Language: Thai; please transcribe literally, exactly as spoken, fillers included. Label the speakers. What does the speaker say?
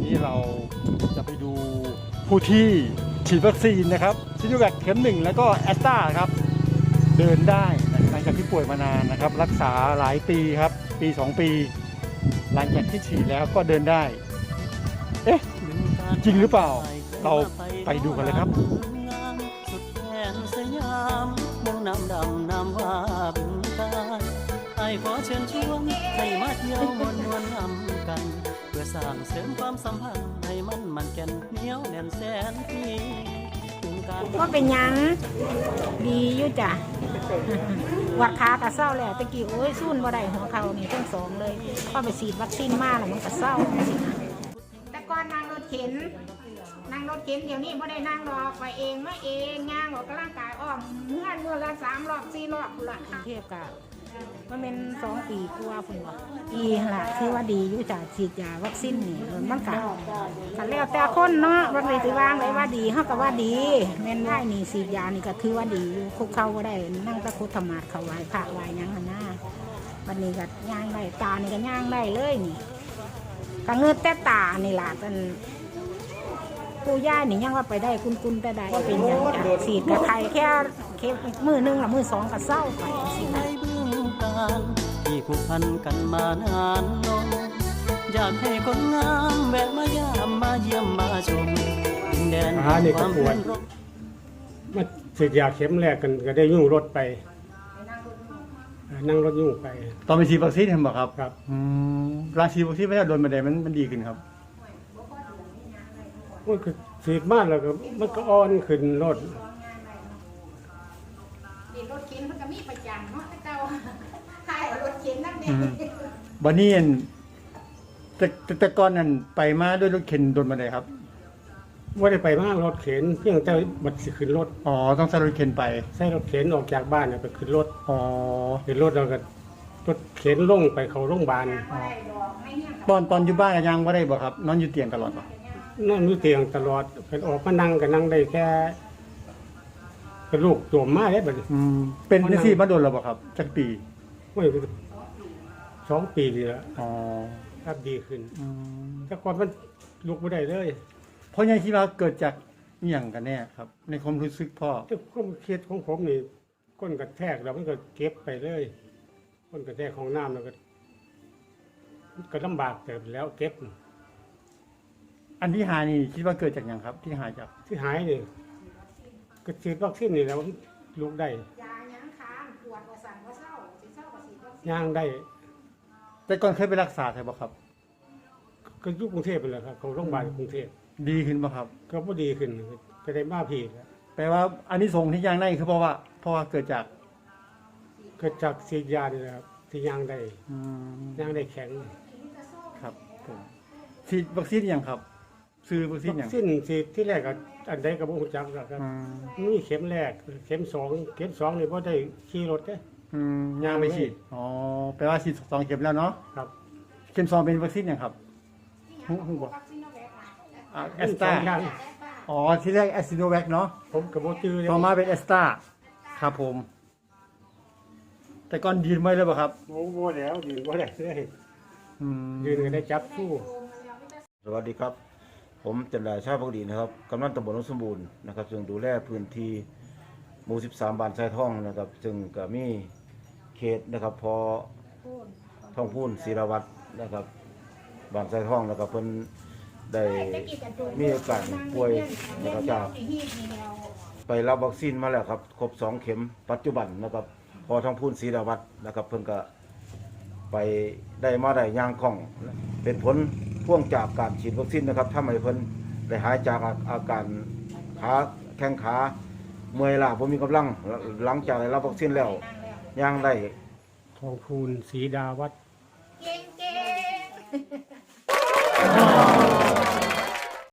Speaker 1: นี้เราจะไปดูผู้ที่ฉีดวัคซีนนะครับซิโนแวคเข็มหนึ่งแล้วก็แอสตราครับเดินได้หลังจากที่ป่วยมานานนะครับรักษาหลายปีครับปีสองปีหลังจากที่ฉีดแล้วก็เดินได้เอ๊ะจริงหรือเปล่าเราไปดูกันเลยครับ
Speaker 2: สุดแสนสยามเมืองน้ำดำน้ำว่าบึงกาฬไอ้ขอเชิญชวนให้มาเที่ยวมวนนวลนำกันเพื่อสร้างเสริมความสัมพันธ์ให้มันมันแก่นเหนียวแน่นแสนปี
Speaker 3: ก็เป็นยังดีอยู่จ้ะวัดขากระเศร้าแล้วตะกี้โอ้ยสู้นบ่ได้หัวเขานี่ทั้งสองเลยพอไปฉีดวัคซีนมาแล้วมันกระเศร้าแต่ก่อนนั่งรถเข็นนั่งรถเข็นเดี๋ยวนี้บ่ได้นั่งรอไปเองมาเองย่างออกกำลังกายอ้อมเมื่อเมื่อละสามรอบสี่รอบพุ่นละเทียบกับมันเป็นสองปีกว่าพุ่นว่าปีละคือว่าดีอยู่จ้ะฉีดยาวัคซีนนี่มันกะกันแล้วแต่คนเนาะวันเลยถือวางเลยว่าดีเขาก็ว่าดีแม่นได้นี่ฉีดยานี่ก็คือว่าดีอยู่คุกเข้าก็ได้นั่งตะคุธรรมาเขาไหวพระไหวยังหน้าวันนี้ก็ย่างได้ตานี่ก็ย่างได้เลยนี่ก็เงือกแต่ตานี่ล่ะกันผู้ย่านี่ยังว่าไปได้กุนกุนแต่ได้เป็นอย่างจ้ะฉีดกับใครแค่แค่มือหนึ่งหรือมือสองก็เศร้าไปสินะ
Speaker 2: ที่ผูกพันกันมานานลงอยากให้คนงามแวะมายามมาเยี่ยมมาชมดินแดนความเป็นรบ
Speaker 4: มาฉีดยาเข็มแรกกันก็ได้ยุ่งรถไปนั่งรถยุ่งไป
Speaker 1: ตอนไปฉีดวัคซีนเห็นบอกครับ
Speaker 4: ครับ
Speaker 1: อืมราฉีดวัคซีนไม่ได้โดนมาได้มันมันดีขึ้นครับ
Speaker 4: มันคือฉีดมากแล้วก็มันก็อ่อนขึ้นรถ
Speaker 3: รถเข็นมันก็มีประจำเนาะแต่เก่าใช่รถเข็นนั่นเอง
Speaker 1: บันนี้แต่แต่ก่อนนั้นไปมาด้วยรถเข็นโดนมาได้ครับ
Speaker 4: ว่าได้ไปมากรถเข็นเพียงแต่บัดสิขึ้นรถ
Speaker 1: อ๋อต้องใช้รถเข็นไป
Speaker 4: ใช้รถเข็นออกจากบ้านไปขึ้นรถ
Speaker 1: อ๋อ
Speaker 4: ขึ้นรถแล้วก็รถเข็นลงไปเขาโรงพยาบาล
Speaker 1: ตอนตอนอยู่บ้านยังไม่ได้บ่ครับนอนอยู่เตียงตลอดบ่
Speaker 4: นอนอยู่เตียงตลอดเป็นออกมานั่งก็นั่งได้แค่กระลูกตัวมาได้บัดนี้
Speaker 1: เป็นจังซี่มาโดนแล้วบ่ครับจักปี
Speaker 4: โอ้ยสองปีนี่ละ
Speaker 1: อ๋อ
Speaker 4: ครับดีขึ้นแต่ก่อนมันลุกไม่ได้เลย
Speaker 1: เพราะยังคิดว่าเกิดจากอหย่างกันแน่ครับในความรู้สึกพ่อ
Speaker 4: แต่ความคิดของผมนี่ก้นกระแทกแล้วมันก็เก็บไปเลยก้นกระแทกของน้ำแล้วก็ก็ลำบากแต่แล้วเก็บ
Speaker 1: อันที่หายนี่คิดว่าเกิดจากอย่างครับที่หายจาก
Speaker 4: ที่หายนี่ก็ฉีดวัคซีนนี่แล้วลุกได้
Speaker 3: ยายังค้างปวดว่าสั่นว่าเศร้าสิเศร้าว่าฉีดวัคซีน
Speaker 4: ย่างได้
Speaker 1: แต่ก่อนเคยไปรักษาใช่ป่ะครับ
Speaker 4: ก็ยุคกรุงเทพไปเลยครับเขาโรงพยาบาลกรุงเทพ
Speaker 1: ดีขึ้นป่ะครับ
Speaker 4: ก็พอดีขึ้นก็ได้มาผีแล้ว
Speaker 1: แปลว่าอันนี้ส่งที่ย่างได้คือเพราะว่าเพราะว่าเกิดจาก
Speaker 4: เกิดจากฉีดยานี่ครับที่ย่างได้ย่างได้แข็ง
Speaker 1: ครับผมฉีดวัคซีนอย่างครับซื้อวัคซีนอย่าง
Speaker 4: วัคซีนฉีดที่แรกก็อันใดกับบุญจักครับนี่เข็มแรกเข็มสองเข็มสองนี่พอได้ขี่รถได้
Speaker 1: ย่างไม่ฉีดอ๋อแปลว่าฉีดสองเข็มแล้วเนาะ
Speaker 4: ครับ
Speaker 1: เข็มสองเป็นวัคซีนอย่างครับหูบอกแอสตราอ๋อที่แรกแอสซิโนแวคเนาะ
Speaker 4: ผมกับโบจือ
Speaker 1: ต่อมาเป็นแอสตราครับผมแต่ก่อนยืนไม่เลยป่ะครับ
Speaker 4: โอ้โหแล้วยืนก็ได้เลยยืนก็ได้จับสู้
Speaker 5: สวัสดีครับผมจันดาชาพักดีนะครับกำนันตำบลหนองสมบูรณ์นะครับซึ่งดูแลพื้นที่หมู่สิบสามบ้านทรายทองนะครับซึ่งก็มีเขตนะครับพอท่องพูนศิรวัตรนะครับบ้านทรายทองแล้วก็เพิ่นได้มีอาการป่วยนะครับจากไปรับวัคซีนมาแล้วครับครบสองเข็มปัจจุบันนะครับพอท่องพูนศิรวัตรนะครับเพิ่นก็ไปได้มาได้ย่างคล่องเป็นผลพ่วงจากการฉีดวัคซีนนะครับทำให้เพิ่นได้หายจากอาการขาแข้งขาเมื่อยล้าบ่มีกำลังหลังจากได้รับวัคซีนแล้วย่างได้
Speaker 4: ทองพูนศรีดาวัฒน์
Speaker 3: เก่งๆ